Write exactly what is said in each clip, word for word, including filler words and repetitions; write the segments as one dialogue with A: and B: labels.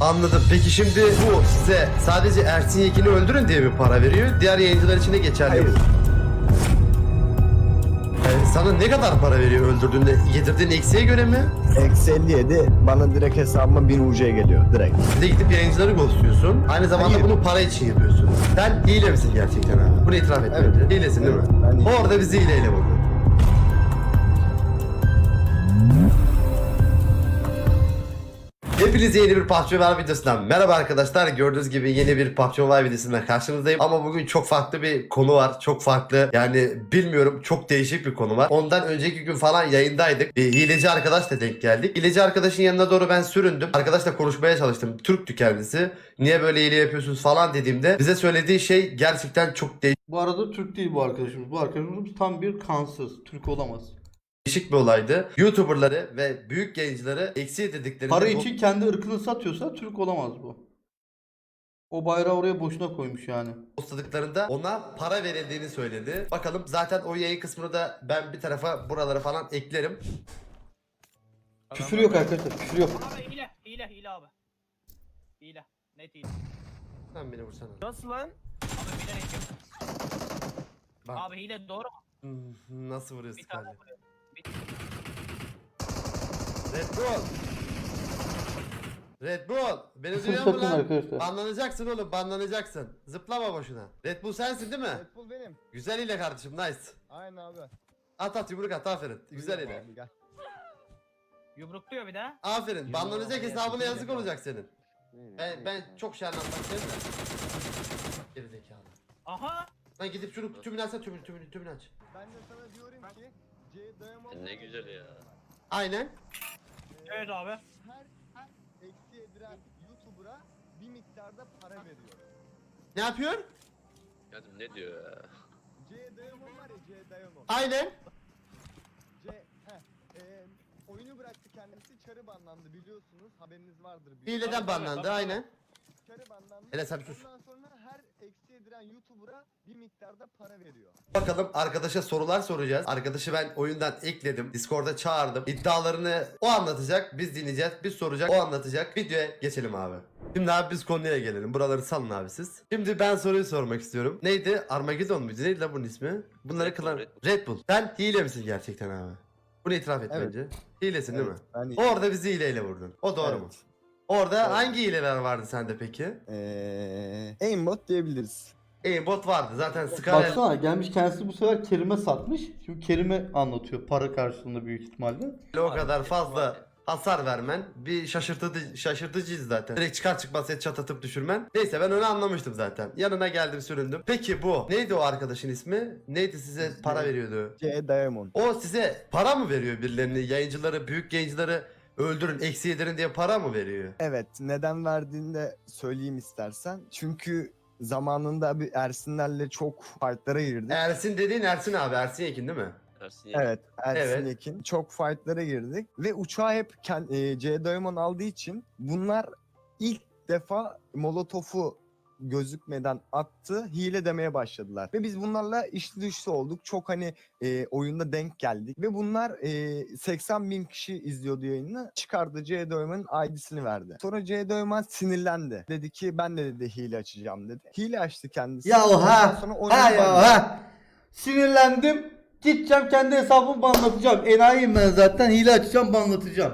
A: Anladım. Peki şimdi bu size sadece Ersin Yekin'i öldürün diye bir para veriyor. Diğer yayıncılar için de geçerli.
B: Hayır.
A: Yani sana ne kadar para veriyor öldürdüğünde? Yedirdiğin eksiğe göre mi?
B: Eksi elli yedi bana direkt hesabıma bin U C geliyor direkt.
A: Bir de gidip yayıncıları ghostluyorsun. Aynı zamanda
B: Hayır.
A: bunu para için yapıyorsun. Sen hile misin gerçekten abi? Bunu itiraf et
B: Evet.
A: bence. Hilesin değil mi?
B: Evet, ben hileyim.
A: Orada bizi hileyle buldun. Hepinize yeni bir P U B G Mobile videosundan merhaba arkadaşlar. Gördüğünüz gibi yeni bir P U B G Mobile videosundan karşınızdayım. Ama bugün çok farklı bir konu var. Çok farklı, yani bilmiyorum, çok değişik bir konu var. Ondan önceki gün falan yayındaydık. Bir hileci arkadaşla denk geldik. Hileci arkadaşın yanına doğru ben süründüm. Arkadaşla konuşmaya çalıştım. Türktü kendisi. Niye böyle hile yapıyorsunuz falan dediğimde bize söylediği şey gerçekten çok
C: Bu arada Türk değil bu arkadaşımız. Bu arkadaşımız tam bir kansız. Türk olamaz.
A: değişik bir olaydı. YouTuber'ları ve büyük yayıncıları eksi dediklerinde
C: Para
A: bu-
C: için kendi ırkını satıyorsa Türk olamaz bu. O bayrağı oraya boşuna koymuş yani.
A: postladıklarında ona para verildiğini söyledi. Bakalım, zaten o yayın kısmını da ben bir tarafa, buralara falan eklerim.
C: Küfür yok arkadaşlar, küfür yok.
D: Abi hile, hile, hile abi. Hile, net hile.
A: Sen beni vursana.
D: Nasıl lan? Abi bilerek yok.
A: Bak.
D: Abi hile doğru mu?
A: Hmm, nasıl vuruyorsun
D: Bir tane
A: kalbi?
D: vuruyor. Bir...
A: Red Bull! Red Bull! Beni
C: Küfür
A: duyuyor musun
C: sakın
A: lan?
C: arkadaşlar.
A: Banlanacaksın oğlum, banlanacaksın. Zıplama boşuna. Red Bull sensin değil mi?
E: Red Bull benim.
A: Güzel ile kardeşim, nice.
E: Aynen abi.
A: At at, yumruk at, aferin. Güzel
E: Buyurun
A: ile.
E: abi, gel.
D: Yumrukluyor bir de.
A: Aferin. Banlanacak
D: Yumruğu
A: hesabına
D: oraya
A: yazık
D: koy.
A: olacak senin. Ben, ben çok şey anlatmak istedim de. Geri zekalı.
D: Aha!
A: Lan gidip şunu tümünü açsana, tümünü, tümünü, tümünü aç.
E: Ben de sana diyorum ki C Diamond
F: Ne güzel ya.
A: Aynen.
D: Evet abi.
E: Her, her eksi edilen YouTuber'a bir miktarda para veriyor.
A: Ne yapıyor?
F: Kadın ne diyor ya?
E: C Diamond var ya, C Diamond.
A: Aynen.
E: C, heh, e, oyunu bıraktı kendisi, çarı banlandı biliyorsunuz, haberiniz vardır. büyük
A: Hileden
E: ihtimalle.
A: banlandı, aynen.
E: Çarı banlandı.
A: Hele sen bir sus.
E: Ondan sonra her eksi edilen YouTuber'a bir miktarda para veriyor.
A: Bakalım, arkadaşa sorular soracağız. Arkadaşı ben oyundan ekledim. Discord'a çağırdım. İddialarını o anlatacak. Biz dinleyeceğiz. Biz soracak. O anlatacak. Videoya geçelim abi. Şimdi abi biz konuya gelelim. Buraları salın abi siz. Şimdi ben soruyu sormak istiyorum. Neydi? Armageddon muydu? Neydi lan bunun ismi? Bunları
F: Red Bull,
A: kılan...
F: Red Bull.
A: Red Bull. Sen hile misin gerçekten abi? Bunu itiraf et
B: Evet.
A: bence. Hilesin değil mi?
B: Ben
A: Orada bizi hileyle vurdun. O doğru
B: Evet.
A: mu? Orada
B: Doğru.
A: hangi hileler vardı sende peki?
B: Eee aimbot diyebiliriz.
A: Aimbot vardı. Zaten Skyrim...
C: Baksana gelmiş kendisi bu sefer Kerim'e satmış. Şimdi Kerim'e anlatıyor para karşılığında büyük ihtimalle.
A: o kadar fazla hasar vermen bir şaşırtıcı, şaşırtıcıyız zaten. Direkt çıkar çıkmaz et çat düşürmen. Neyse, ben onu anlamıştım zaten. Yanına geldim, süründüm. Peki bu neydi, o arkadaşın ismi? Neydi, size para veriyordu?
B: C Diamond.
A: O size para mı veriyor, birilerini, yayıncıları, büyük yayıncıları öldürün, eksi yedirin diye para mı veriyor?
B: Evet, neden verdiğini de söyleyeyim istersen. Çünkü zamanında bir Ersinlerle çok fightlara girdik.
A: Ersin dediğin Ersin abi, Ersin Yekin değil mi?
F: Ersin ya.
B: Evet, Ersin
A: Evet.
B: Yekin. Çok fightlara girdik ve uçağı hep kend- e, C Diamond aldığı için bunlar ilk defa Molotov'u gözükmeden attı, hile demeye başladılar. Ve biz bunlarla içli dışlı olduk. Çok hani e, oyunda denk geldik. Ve bunlar e, seksen bin kişi izliyordu yayını. Çıkardı, C Diamond'ın I D'sini verdi. Sonra C Diamond sinirlendi. Dedi ki ben de dedi hile açacağım dedi. Hile açtı kendisi.
C: Ya
B: Ondan
C: ha,
B: sonra
C: ha
B: oyunu
C: ya
B: banladı.
C: ha. Sinirlendim. Gideceğim kendi hesabımı banlatacağım. Enayiyim ben zaten. Hile açacağım, banlatacağım.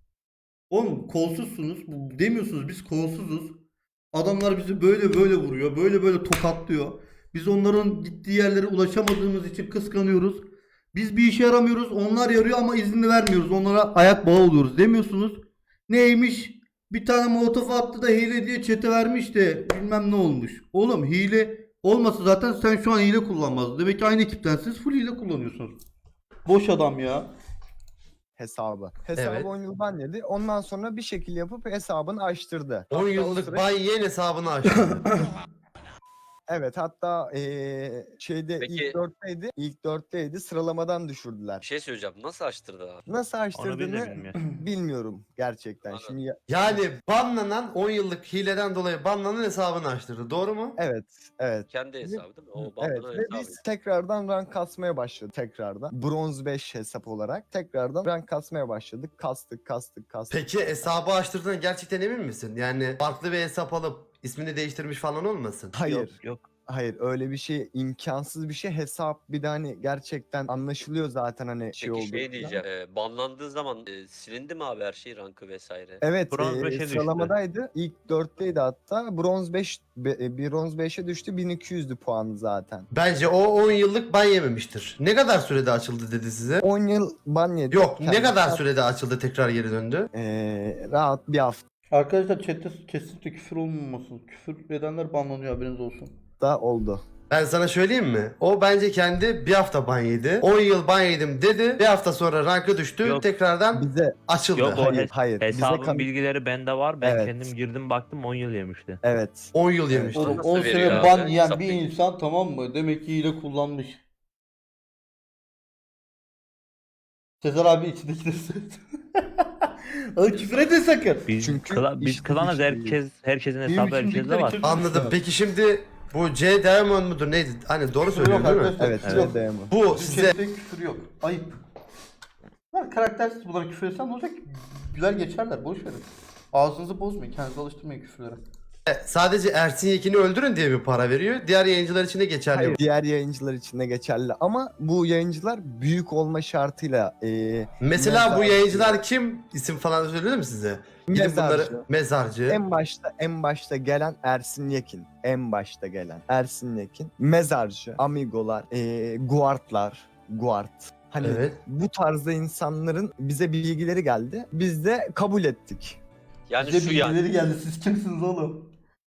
C: Oğlum kolsuzsunuz. Bu- Demiyorsunuz biz kolsuzuz. Adamlar bizi böyle böyle vuruyor. Böyle böyle tokatlıyor. Biz onların gittiği yerlere ulaşamadığımız için kıskanıyoruz. Biz bir işe yaramıyoruz. Onlar yarıyor ama izni vermiyoruz. Onlara ayak bağı oluyoruz demiyorsunuz. Neymiş? Bir tane molotof attı da hile diye çete vermiş de bilmem ne olmuş. Oğlum hile olmasa zaten sen şu an hile kullanmazdın. Demek ki aynı ekiptensiniz, full hile kullanıyorsunuz. Boş adam ya.
B: Hesabı. Hesabı
A: Evet.
B: on yıl banledi. Ondan sonra bir şekil yapıp hesabını açtırdı.
A: on
B: Hatta o
A: yıllık
B: süre-
A: Bay Yen hesabını açtı.
B: Evet, hatta eee, şeyde
F: Peki-
B: ilk dörtteydi. İlk dörtteydi. Sıralamadan düşürdüler.
F: Bir şey söyleyeceğim. Nasıl açtırdı abi?
B: Nasıl
G: Onu biz de
B: açtırdığını
G: bilmiyoruz.
B: bilmiyorum gerçekten.
F: Anladım.
B: Şimdi ya-
A: Yani banlanan on yıllık hileden dolayı banlanan hesabını açtırdı. Doğru mu?
B: evet, evet.
F: Kendi hesabı değil mi? O
B: Evet
F: bandıran
B: ve
F: hesabı.
B: biz tekrardan rank kasmaya başladık tekrardan. Bronz beş hesap olarak tekrardan rank kasmaya başladık. Kastık, kastık, kastık.
A: Peki hesabı açtırdığına gerçekten emin misin? Yani farklı bir hesap alıp ismini değiştirmiş falan olmasın?
B: Hayır.
G: Yok yok.
B: Hayır, öyle bir şey imkansız bir şey. Hesap bir de hani gerçekten anlaşılıyor zaten hani şey
F: Peki
B: oldu.
F: şey diyeceğim. E, banlandığı zaman e, silindi mi abi her şey, rankı vesaire?
B: Evet,
G: Bronz
B: e,
G: beşe düştü.
B: sıralamadaydı. İlk dörtteydi hatta. Bronz beş, be- e, bronz beşe düştü. bin iki yüzdü puanı zaten.
A: Bence o on yıllık ban yememiştir. Ne kadar sürede açıldı dedi size?
B: on yıl ban yedi.
A: Yok, ne
B: Kendisi
A: kadar
B: hat-
A: sürede açıldı tekrar geri döndü?
B: e, rahat bir
C: Arkadaşlar chatte kesinlikle küfür olmamasın. Küfür edenler banlanıyor, haberiniz olsun.
B: hafta oldu.
A: Ben sana söyleyeyim mi? O bence kendi bir hafta ban yedi. on yıl ban yedim dedi. Bir hafta sonra rankı düştü.
G: Yok.
A: Tekrardan
B: Bize
A: açıldı.
G: Yok, o
B: hayır,
G: hes-
B: hayır. Bize
G: Hesabın
B: kan-
G: bilgileri bende var. Ben
B: Evet.
G: kendim girdim baktım on yıl yemişti.
B: Evet.
A: on yıl yemişti.
C: Oğlum
F: Nasıl
C: on
F: veriyor
C: sene
F: abi?
C: ban yiyen
F: Hesap
C: bir
F: bilgi.
C: insan, tamam mı? Demek ki hile kullanmış. Sezer abi içindekileri söyledi. Oğlum küfür etme sakın.
G: Biz
B: Çünkü
G: kla- biz
B: işin
G: klanız
B: içindeyiz.
G: herkes herkesin
C: Benim
G: hesabı herkeste
C: içimdekileri
G: var.
C: kim-
A: Anladım. Peki şimdi bu C Diamond mudur neydi? Hani doğru söylüyorum değil mi?
C: arkadaşlar,
B: Evet,
C: küfür yok.
B: evet. Dayamı.
A: Bu
C: Bizim
A: size
C: chatte küfür yok. Ayıp. Bunlar karaktersiz, bunlara küfür etsen ne olacak? Güler geçerler, boş verin. Ağzınızı bozmayın, kendinizi alıştırmayın küfürlere.
A: sadece Ersin Yekin'i öldürün diye bir para veriyor. Diğer yayıncılar için de geçerli.
B: Hayır,
A: bu.
B: diğer yayıncılar için de geçerli ama bu yayıncılar büyük olma şartıyla e,
A: Mesela bu
B: Mezarcı.
A: yayıncılar kim? İsim falan söyledim mi size? Gidin
B: Mezarcı.
A: bunları mezarcı.
B: en başta en başta gelen Ersin Yekin. En başta gelen Ersin Yekin. Mezarcı, Amigolar, e, Guardlar, Guard. Hani
A: Evet.
B: bu tarzda insanların bize bilgileri geldi. Biz de kabul ettik.
F: Yani
C: Bize
F: şu yani.
C: bilgileri geldi, siz kimsiniz oğlum?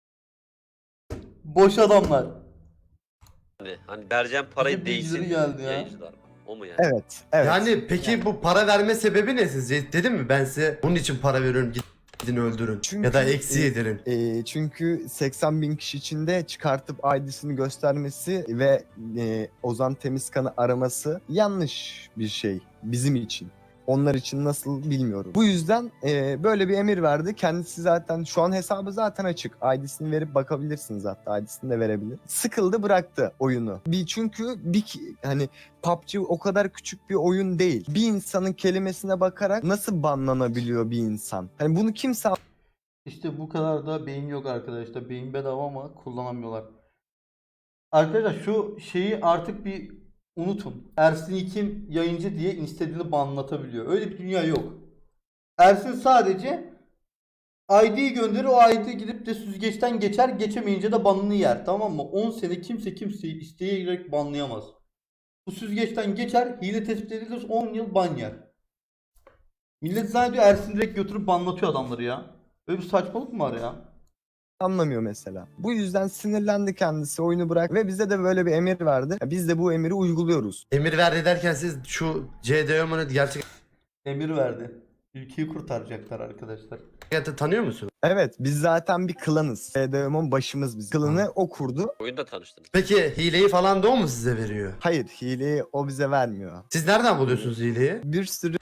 C: Boş adamlar.
F: Hani vereceğim parayı
C: Bize bilgileri
F: değsin
C: geldi ya.
F: yayıncılar. O mu yani?
B: Evet, evet.
A: Yani peki bu para verme sebebi ne sizce? Dedim mi ben size bunun için para veriyorum gidin öldürün.
B: Çünkü-
A: ya da eksi
B: e,
A: yedirin.
B: E, çünkü seksen bin kişi içinde çıkartıp I D'sini göstermesi ve e, Ozan Temizkan'ı araması yanlış bir şey bizim için. Onlar için nasıl bilmiyorum. Bu yüzden e, böyle bir emir verdi. Kendisi zaten şu an hesabı zaten açık. I D'sini verip bakabilirsiniz hatta. I D'sini de verebilir. Sıkıldı, bıraktı oyunu. Bir çünkü bir ki- hani P U B G o kadar küçük bir oyun değil. Bir insanın kelimesine bakarak nasıl banlanabiliyor bir insan? Hani bunu kimse
C: İşte bu kadar da beyin yok arkadaşlar. Beyin bedava ama kullanamıyorlar. Arkadaşlar şu şeyi artık bir unutun. Ersin Yekin yayıncı diye istediğini banlatabiliyor. Öyle bir dünya yok. Ersin sadece I D'yi gönderir, o I D gidip de süzgeçten geçer, geçemeyince de banını yer, tamam mı? on sene kimse kimseyi isteyerek banlayamaz. Bu süzgeçten geçer, hile tespit edilir, on yıl ban yer. Millet zannediyor Ersin direkt götürüp banlatıyor adamları ya. Böyle bir saçmalık mı var ya?
B: anlamıyor mesela. Bu yüzden sinirlendi kendisi, oyunu bırak ve bize de böyle bir emir verdi. Ya biz de bu emiri uyguluyoruz.
A: Emir verdi derken siz şu C Diamond'ı gerçek
C: Emir verdi. Ülkeyi kurtaracaklar arkadaşlar.
A: hayatta tanıyor musun?
B: Evet, biz zaten bir klanız. D D M'in başımız biz. Klanı o kurdu.
F: Oyunda tanıştınız.
A: Peki hileyi falan da o mu size veriyor?
B: Hayır, hileyi o bize vermiyor.
A: Siz nereden buluyorsunuz hileyi?
B: Bir sürü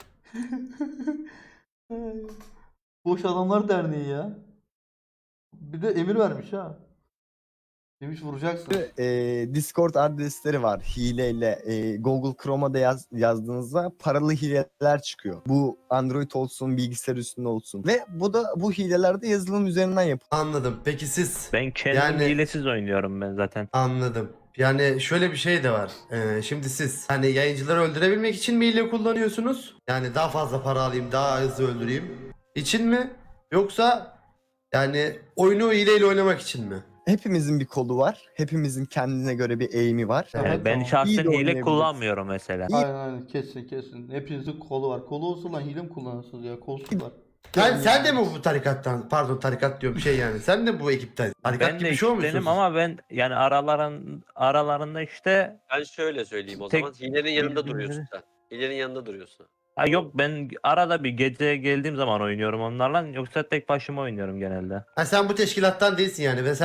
C: Boş Adamlar Derneği ya. Bir de emir vermiş ha. Demiş vuracaksın.
B: e, Discord adresleri var hileyle. E, Google Chrome'a da yaz, yazdığınızda paralı hileler çıkıyor. Bu Android olsun, bilgisayar üstünde olsun. Ve bu da bu hileler de yazılım üzerinden yapılıyor.
A: Anladım. Peki siz?
G: Ben kendim
A: Yani-
G: hilesiz oynuyorum ben zaten.
A: Anladım. Yani şöyle bir şey de var. Ee, şimdi siz hani yayıncıları öldürebilmek için mi hile kullanıyorsunuz? Yani daha fazla para alayım, daha hızlı öldüreyim için mi? Yoksa yani oyunu hileyle oynamak için mi?
B: Hepimizin bir kolu var. Hepimizin kendine göre bir eğimi var.
C: Evet,
G: Yani ben
C: tamam.
B: İyi
G: şahsen
B: de
G: hile
B: oynayabiliriz.
G: kullanmıyorum mesela.
C: Aynen aynen kesin kesin. Hepinizin kolu var. Kolu olsa lan hile mi kullanırsınız ya? Kolsuzlar.
A: Sen, sen de mi bu tarikattan? Pardon tarikat diyorum şey yani. Sen de bu ekipten. Tarikat
G: Ben
A: gibi
G: de
A: bir şey olmuşsun.
G: ekiptenim
A: siz.
G: ama ben yani araların aralarında işte
F: Ben şöyle söyleyeyim o
G: Tek-
F: zaman. Hilenin yanında
G: Birbirleri-
F: duruyorsun sen. Hilenin yanında duruyorsun.
G: ha yok ben arada bir gece geldiğim zaman oynuyorum onlarla yoksa tek başıma oynuyorum genelde.
A: Ha, sen bu teşkilattan değilsin yani ve sen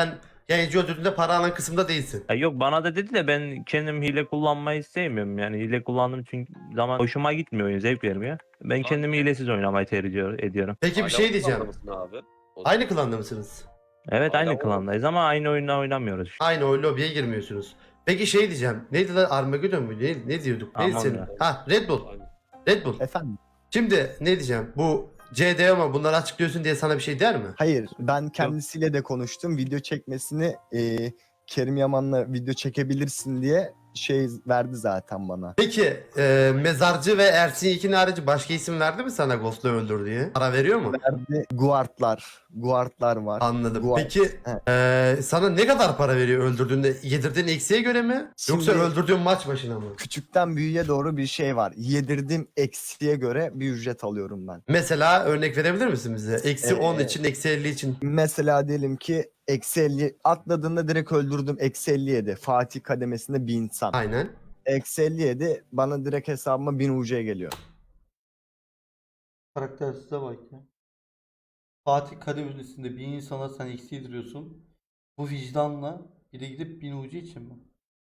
A: yayıncı öldürdüğünde para alan kısımda değilsin.
G: Ya yok bana da dedi de ben kendim hile kullanmayı sevmiyorum. Yani hile kullandığım çünkü zaman hoşuma gitmiyor oyun, zevk vermiyor. Ben kendim hilesiz oynamayı tercih ediyorum.
A: Peki bir
F: Hala
A: şey
F: bu
A: diyeceğim.
F: klanda mısın abi? O-
A: Aynı klanda mısınız?
G: Evet
F: Hala
G: aynı
F: o-
G: klandayız ama aynı oyunda oynamıyoruz işte.
A: Aynı o lobiye girmiyorsunuz. Peki şey diyeceğim. Neydi lan Armageddon mu? Ne, ne diyorduk? Neydi
G: Aman
A: senin?
G: ya.
A: Ha Red Bull.
F: Aynen.
A: Red Bull.
B: Efendim?
A: Şimdi ne diyeceğim? Bu C D ama bunları açıklıyorsun diye sana bir şey der mi?
B: Hayır, ben kendisiyle de konuştum. Video çekmesini e, Kerim Yaman'la video çekebilirsin diye şey verdi zaten bana.
A: Peki e, Mezarcı ve Ersin Yekin harici başka isim verdi mi sana Ghost'u öldür diye? Para veriyor mu?
B: Verdi. Guardlar. Guardlar var.
A: Anladım.
B: Guard.
A: Peki
B: Evet.
A: e, sana ne kadar para veriyor öldürdüğünde? Yedirdiğin eksiğe göre mi? Yoksa
B: Şimdi-
A: öldürdüğün maç başına mı?
B: Küçükten büyüğe doğru bir şey var. Yedirdiğim eksiye göre bir ücret alıyorum ben.
A: Mesela örnek verebilir misin bize? Eksi
B: Ee,
A: on için, eksi elli için.
B: Mesela diyelim ki eksi elli atladığında direkt öldürdüm, eksi elli yedi. Fatih kademesinde bir insan.
A: Aynen.
B: Eksi elli yedi bana direkt hesabıma bin U C geliyor.
C: Karaktersize bak ya. Fatih Kademesi'nde bir insana sen eksi yediriyorsun. Bu vicdanla bir de gidip bin ucu için mi?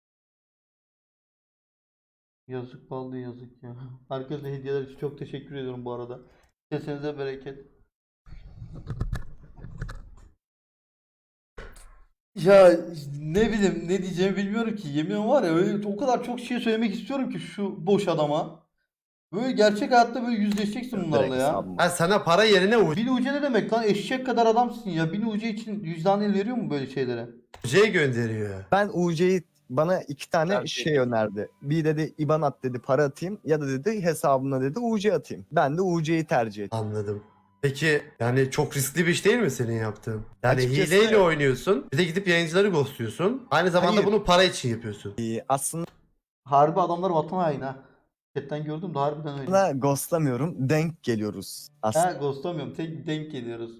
C: Yazık vallahi yazık ya. Herkese hediyeler için çok teşekkür ediyorum bu arada. Kesenize bereket. Ya ne bileyim ne diyeceğimi bilmiyorum ki. Yemin var ya öyle o kadar çok şey söylemek istiyorum ki şu boş adama. Böyle gerçek hayatta böyle yüzleşeceksin bunlarla
B: Direkt
C: ya.
B: hesabıma.
A: Ha, sana para yerine
C: Bin ucu ne demek lan? Eşek kadar adamsın ya. Bin ucu için vicdan el veriyor mu böyle şeylere?
A: U C gönderiyor.
B: Ben U C'yi bana iki tane
F: Ben
B: şey
F: de-
B: önerdi. Bir dedi IBAN at dedi, para atayım, ya da dedi hesabına dedi U C atayım. Ben de U C'yi tercih ettim.
A: Anladım. Peki yani çok riskli bir iş değil mi senin yaptığın? Yani
B: Açıkçası-
A: hileyle oynuyorsun. Bir de gidip yayıncıları ghostluyorsun. Aynı zamanda
B: Hayır.
A: bunu para için yapıyorsun.
B: Ee, aslında
C: Harbi adamlar vatan haini ha. Chatten gördüm de harbiden öyle.
B: ghostlamıyorum, denk geliyoruz
C: Ha
B: aslında.
C: ghostlamıyorum. Tek denk geliyoruz.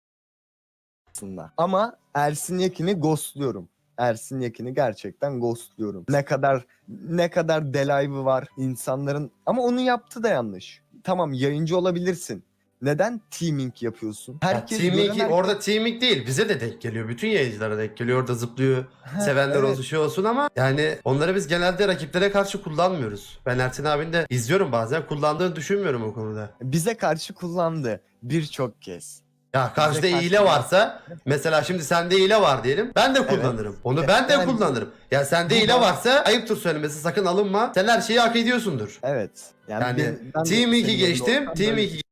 B: Ama Ersin Yekin'i ghostluyorum. Ersin Yekin'i gerçekten ghostluyorum. Ne kadar ne kadar delive'ı var insanların, ama onun yaptığı da yanlış. Tamam, yayıncı olabilirsin. Neden teaming yapıyorsun?
A: Ya
B: Herkes
A: teaming,
B: gören-
A: orada teaming değil. Bize de denk geliyor. Bütün yayıncılara denk geliyor. Orada zıplıyor.
B: Ha,
A: Sevenler
B: evet.
A: olsun şey olsun ama yani onları biz genelde rakiplere karşı kullanmıyoruz. Ben Ersin abinin de izliyorum bazen. Kullandığını düşünmüyorum o konuda.
B: Bize karşı kullandı birçok kez.
A: Ya karşıda
B: Bize
A: hile
B: karşı-
A: varsa mesela şimdi sende hile var diyelim. Ben de kullanırım. Onu ben de
B: Yani-
A: kullanırım. Ya sende
B: Bu
A: hile
B: da-
A: varsa ayıptır söylemesi, sakın alınma. Sen her şeyi hak ediyorsundur.
B: Evet. Yani,
A: Yani
B: ben- ben de
A: Team iki
B: senin
A: geçtim.
B: yerinde olsam
A: Team
B: böyle-
A: iki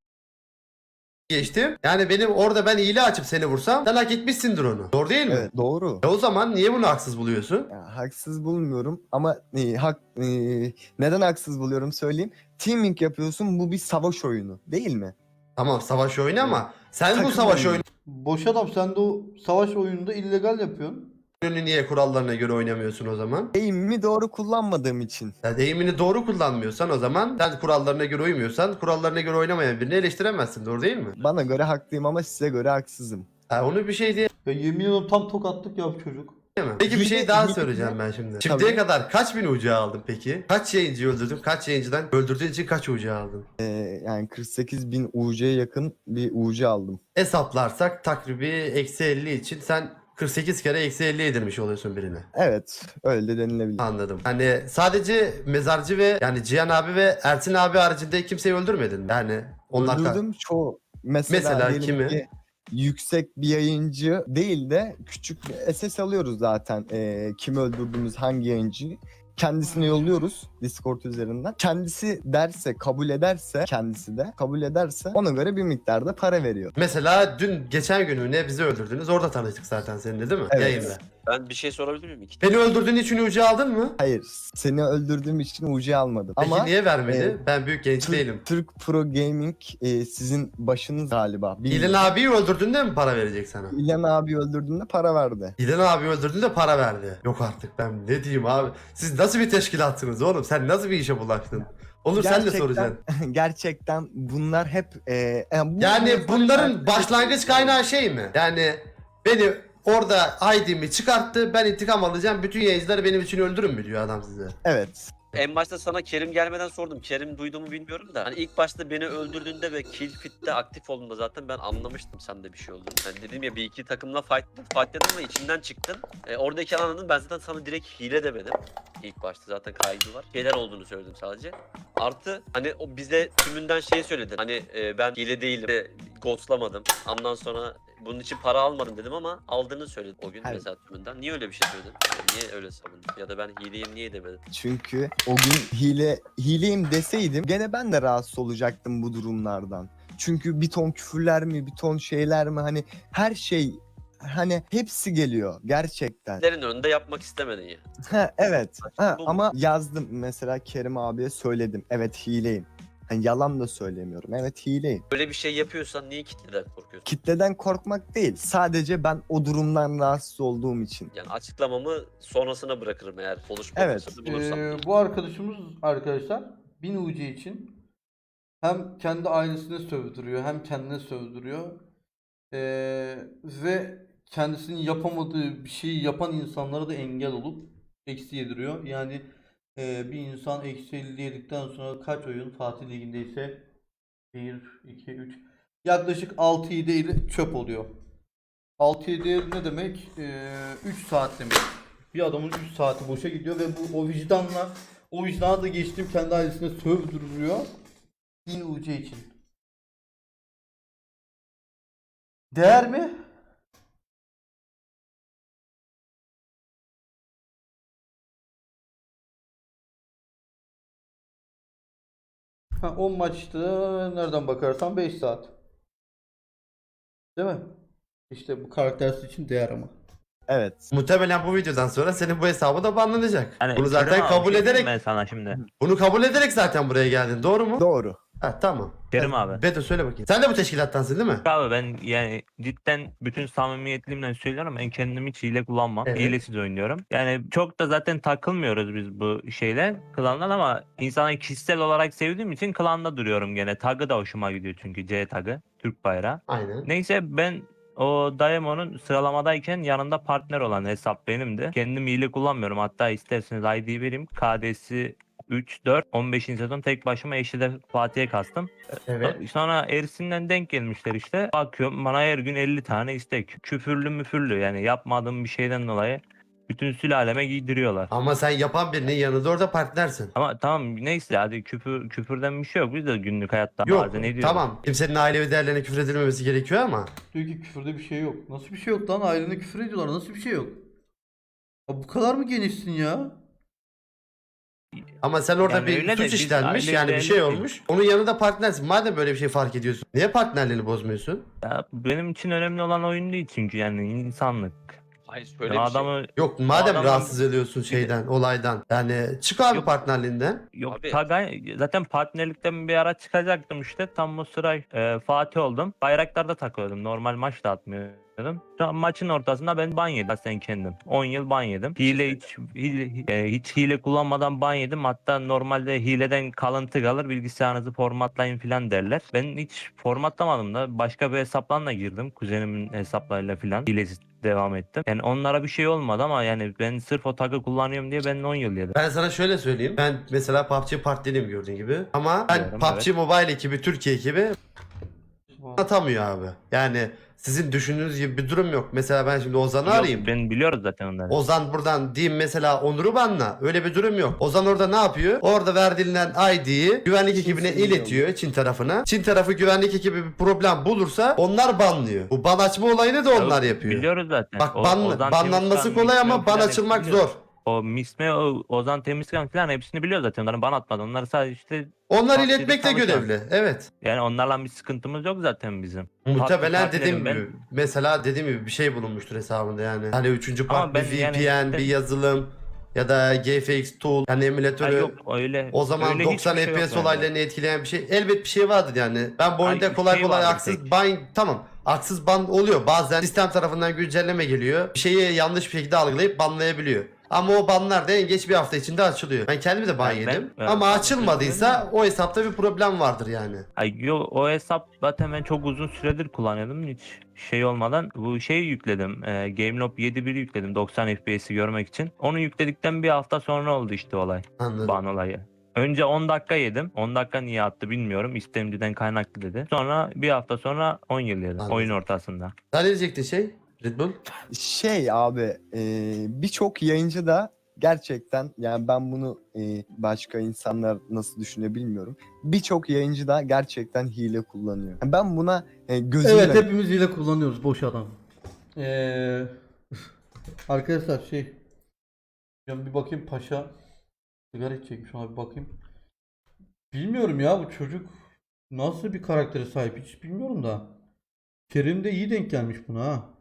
A: geçtim. Yani benim orada ben hile açıp seni vursam sen hak etmişsindir onu. Doğru değil mi?
B: Evet, doğru.
A: E o zaman niye bunu haksız buluyorsun?
B: Ya, haksız bulmuyorum ama e, hak e, neden haksız buluyorum söyleyeyim. Teaming yapıyorsun, bu bir savaş oyunu değil mi?
A: Tamam savaş oyunu ama sen bu
B: Takım
A: savaş
B: oyunu.
C: Boş adam sen de o savaş oyununda illegal yapıyorsun.
A: oyununu niye kurallarına göre oynamıyorsun o zaman?
B: Eğimimi doğru kullanmadığım için.
A: Ya deyimini doğru kullanmıyorsan o zaman sen kurallarına göre uymuyorsan kurallarına göre oynamayan birini eleştiremezsin. Doğru değil mi?
B: Bana göre haklıyım ama size göre haksızım.
A: Ha, onu bir şey diye
C: Ya yemin ediyorum tam tokatlık ya bu çocuk.
A: mi? Peki bir
B: Hile-
A: şey daha
B: hile-
A: söyleyeceğim ben şimdi.
B: Tabii.
A: Şimdiye kadar kaç bin ucu aldın peki? Kaç yayıncıyı öldürdün? Kaç yayıncıdan öldürdüğün için kaç ucu aldın?
B: Ee, yani kırk sekiz bin U C'ye yakın bir U C aldım.
A: Hesaplarsak takribi eksi elli için sen kırk sekiz kere eksi elli yedirmiş oluyorsun birine.
B: Evet, öyle de denilebilir.
A: Anladım. Hani sadece Mezarcı ve yani Cihan abi ve Ersin abi haricinde kimseyi öldürmedin mi? Yani onlar
B: Öldürdüm çoğu. Mesela,
A: Mesela
B: diyelim
A: kimi?
B: ki yüksek bir yayıncı değil de küçük bir S S alıyoruz zaten. Ee, kimi öldürdüğümüz, hangi yayıncıyı. Kendisine yolluyoruz Discord üzerinden. Kendisi derse, kabul ederse, kendisi de kabul ederse ona göre bir miktarda para veriyor.
A: Mesela dün geçen gün mü ne bizi öldürdünüz. Orada tanıştık zaten seninle değil mi?
B: Evet.
A: Yayında.
F: Ben bir şey sorabilir miyim? İki
A: Beni öldürdüğün için ucu aldın mı?
B: Hayır, seni öldürdüğüm için U C almadım.
A: Peki
B: Ama
A: niye vermedi?
B: e,
A: Ben büyük genç
B: Türk,
A: değilim.
B: Türk Pro Gaming e, sizin başınız galiba.
A: İlhan
B: Bilmiyorum.
A: abiyi öldürdüğünde mi para verecek sana?
B: İlhan abi öldürdüğünde para verdi.
A: İlhan abi öldürdüğünde para verdi. Yok artık ben ne diyeyim abi. Siz nasıl bir teşkilatsınız oğlum? Sen nasıl bir işe bulaştın? Olur sen de
B: Gerçekten-
A: soracaksın.
B: Gerçekten bunlar hep e, yani, bu
A: Yani
B: mevzuları
A: bunların
B: takip
A: başlangıç
B: etmek-
A: kaynağı şey mi? Yani beni orada I D'mi çıkarttı, ben intikam alacağım, bütün yayıncıları benim için öldürün mü diyor adam size.
B: Evet.
F: En başta sana Kerim gelmeden sordum. Kerim duyduğumu bilmiyorum da. Hani ilk başta beni öldürdüğünde ve kill fit'te aktif olduğunda zaten ben anlamıştım sende bir şey olduğunu. Yani dedim ya bir iki takımla fight, fightladım ve içinden çıktın. E, oradaki anladım, ben zaten sana direkt hile demedim. İlk başta zaten kaydı var. Şeyler olduğunu söyledim sadece. Artı hani o bize tümünden şey söyledin. Hani e, ben hile değilim. De, ghostlamadım. Ondan sonra bunun için para almadım dedim ama aldığını söyledin o gün
B: Evet.
F: mesela tümünden. Niye öyle bir şey söyledin? Yani niye öyle savundun? Ya da ben hileyim niye demedin?
B: Çünkü o gün hile hileyim deseydim gene ben de rahatsız olacaktım bu durumlardan. Çünkü bir ton küfürler mi, bir ton şeyler mi, hani her şey, hani hepsi geliyor gerçekten.
F: Lerin önünde yapmak istemedin ya.
B: Ha, evet. Ha,
F: Bu mu?
B: ama yazdım mesela, Kerim abiye söyledim. Evet hileyim. Hani yalan da söylemiyorum. Evet hileyim.
F: Böyle bir şey yapıyorsan niye kitleden korkuyorsun?
B: Kitleden korkmak değil. Sadece ben o durumdan rahatsız olduğum için.
F: Yani açıklamamı sonrasına bırakırım eğer konuşma
B: Evet.
F: fırsatı bulursam.
C: Ee, bu arkadaşımız arkadaşlar bin U C için hem kendi ailesine sövdürüyor hem kendine sövdürüyor. Ee, ve kendisinin yapamadığı bir şeyi yapan insanlara da engel olup eksi yediriyor. Yani e, bir insan eksi elli yedikten sonra kaç oyun Fatih Ligi'ndeyse bir, iki, üç yaklaşık altı yedi ile çöp oluyor. altı yedi ne demek? Ee, üç saat demek. Bir adamın üç saati boşa gidiyor ve bu o vicdanla o vicdana da geçtim kendi ailesine sövdürülüyor. bin U C için. Değer mi? Ha, on maçta nereden bakarsan beş saat. Değil mi? İşte bu karaktersiz için değer ama.
B: Evet.
A: Muhtemelen bu videodan sonra senin bu hesabı da banlanacak.
G: Yani
A: Bunu zaten
G: Kerim abi,
A: kabul
G: bir şey diyeyim
A: ederek
G: ben sana şimdi.
A: bunu kabul ederek zaten buraya geldin. Doğru mu?
B: Doğru.
A: Ha tamam.
G: Kerim
A: Ha,
G: abi.
A: Beto söyle bakayım. Sen de bu teşkilattansın değil mi?
G: Abi ben yani cidden bütün samimiyetliğimle söylüyorum, ben kendim hiç hile kullanmam.
A: Evet.
G: Hilesiz oynuyorum. Yani çok da zaten takılmıyoruz biz bu şeyle, klandan, ama insanı kişisel olarak sevdiğim için klanda duruyorum gene. Tagı da hoşuma gidiyor çünkü, C tagı, Türk bayrağı.
A: Aynen.
G: Neyse, ben o Daemon'un sıralamadayken yanında partner olan hesap benimdi. Kendim hile kullanmıyorum. Hatta isterseniz I D vereyim. K D'si üç, dört, on beşinci sezon tek başıma eşide Fatih'e kastım.
A: Evet.
G: Sonra Ersin'den denk gelmişler işte. Bakıyorum bana her gün elli tane istek. Küfürlü müfürlü, yani yapmadığım bir şeyden dolayı bütün sülaleme giydiriyorlar.
A: Ama sen yapan birinin yanında orada partnersin.
G: Ama tamam neyse, hadi küfür küfürden bir şey yok. Biz de günlük hayatta
A: Yok
G: bazen ediyoruz.
A: tamam. Kimsenin ailevi değerlerine küfür edilmemesi gerekiyor ama.
C: Diyor ki küfürde bir şey yok. Nasıl bir şey yok lan? Ailene küfür ediyorlar. Nasıl bir şey yok? Ya bu kadar mı genişsin ya?
A: Ama sen orada
G: Yani
A: bir
G: öyle de
A: suç
G: biz
A: işlenmiş
G: ailevi
A: yani bir şey
G: değerli
A: olmuş. Onun yanında partnersin. Madem böyle bir şey fark ediyorsun. Niye partnerliğini bozmuyorsun?
G: Ya benim için önemli olan oyun değil çünkü, yani insanlık.
F: Hayır
G: Ya
F: şöyle bir şey.
G: adamı
A: Yok madem
G: adamın-
A: rahatsız ediyorsun şeyden, olaydan. Yani çık abi
G: Yok.
A: partnerliğinden.
G: Yok,
F: Abi-
G: Tagay zaten partnerlikten bir ara çıkacaktım işte, tam o sıra e, Fatih oldum. Bayraklarda takıyordum, normal maç da atmıyordum. Şu an maçın ortasında ben ban yedim sen kendim. on yıl ban yedim. Hile hiç hile, e, hiç hile kullanmadan ban yedim. Hatta normalde hileden kalıntı kalır, bilgisayarınızı formatlayın falan derler. Ben hiç formatlamadım da başka bir hesapla girdim. Kuzenimin hesaplarıyla falan hilesiz devam ettim. Yani onlara bir şey olmadı ama yani ben sırf o tagı kullanıyorum diye ben on yıl yedim.
A: Ben sana şöyle söyleyeyim. Ben mesela P U B G partneriyim gördüğün gibi. Ama ben
G: Biliyorum,
A: P U B G Mobile ekibi, Türkiye ekibi atamıyor abi. Yani sizin düşündüğünüz gibi bir durum yok. Mesela ben şimdi Ozan'ı
G: Yok,
A: arayayım.
G: ben biliyoruz zaten onları.
A: Ozan buradan diyeyim mesela Onur'u banla. Öyle bir durum yok. Ozan orada ne yapıyor? Orada verdiğinden I D'yi güvenlik ekibine
B: Çin
A: iletiyor, Çin tarafına. Çin tarafı güvenlik ekibi bir problem bulursa onlar banlıyor. Bu ban açma olayını da onlar
G: Yok,
A: yapıyor.
G: Biliyoruz zaten.
A: Bak
G: O-
A: ban,
G: Ozan
A: banlanması
G: Temizkan,
A: kolay ama
G: Misme
A: ban
G: falan
A: açılmak
G: hepsini biliyoruz.
A: zor.
G: O Misme, o Ozan Temizkan falan hepsini biliyor zaten. Onların ban atmadı. Onlar sadece işte,
A: Onlar
G: P U B G'de
A: iletmekle
G: tanışan.
A: görevli. Evet.
G: yani onlarla bir sıkıntımız yok zaten bizim.
A: Muhtemelen
G: Partnerim
A: dediğim
G: ben.
A: gibi mesela dediğim gibi bir şey bulunmuştur hesabında yani. Hani üçüncü
G: Ama
A: part bir
G: ben
A: V
G: yani
A: P N,
G: işte-
A: bir yazılım ya da G F X tool yani
G: Ha,
A: emülatörü.
G: yok öyle.
A: O zaman
G: öyle
A: doksan
G: hiçbir şey yok
A: F P S
G: bende.
A: olaylarını etkileyen bir şey elbet bir şey vardır yani. Ben bu
G: Ay,
A: oyunda
G: bir
A: kolay
G: şey
A: kolay
G: vardır
A: haksız
G: tek.
A: ban tamam. Haksız ban oluyor. Bazen sistem tarafından güncelleme geliyor. Bir şeyi yanlış bir şekilde algılayıp banlayabiliyor. Ama o banlar da en geç bir hafta içinde açılıyor. Ben kendimi de ban
G: Yani ben-
A: yedim.
G: evet,
A: Ama
G: ben
A: açılmadıysa
G: düşünüyorum
A: o hesapta bir problem vardır yani.
G: Ay yo, o hesap zaten ben çok uzun süredir kullanıyordum hiç şey olmadan. Bu şeyi yükledim. E, Gamelob yedi bir yükledim doksan F P S'i görmek için. Onu yükledikten bir hafta sonra oldu işte olay.
A: Anladım.
G: Ban olayı. Önce on dakika yedim. on dakika niye attı bilmiyorum. İstemciden kaynaklı dedi. Sonra bir hafta sonra on yıl yedim.
A: Anladım.
G: Oyun ortasında.
A: Sen ne diyecektin şey? Red Bull?
B: Şey abi e, birçok yayıncı da gerçekten yani ben bunu e, başka insanlar nasıl düşünüyor bilmiyorum. Birçok yayıncı da gerçekten hile kullanıyor. Ben buna e, gözümle
C: Evet hepimiz hile kullanıyoruz boş adam. Ee, arkadaşlar şey ben bir bakayım paşa sigara içecekmiş ona bir bakayım. Bilmiyorum ya bu çocuk nasıl bir karaktere sahip hiç bilmiyorum da. Kerim de iyi denk gelmiş buna ha.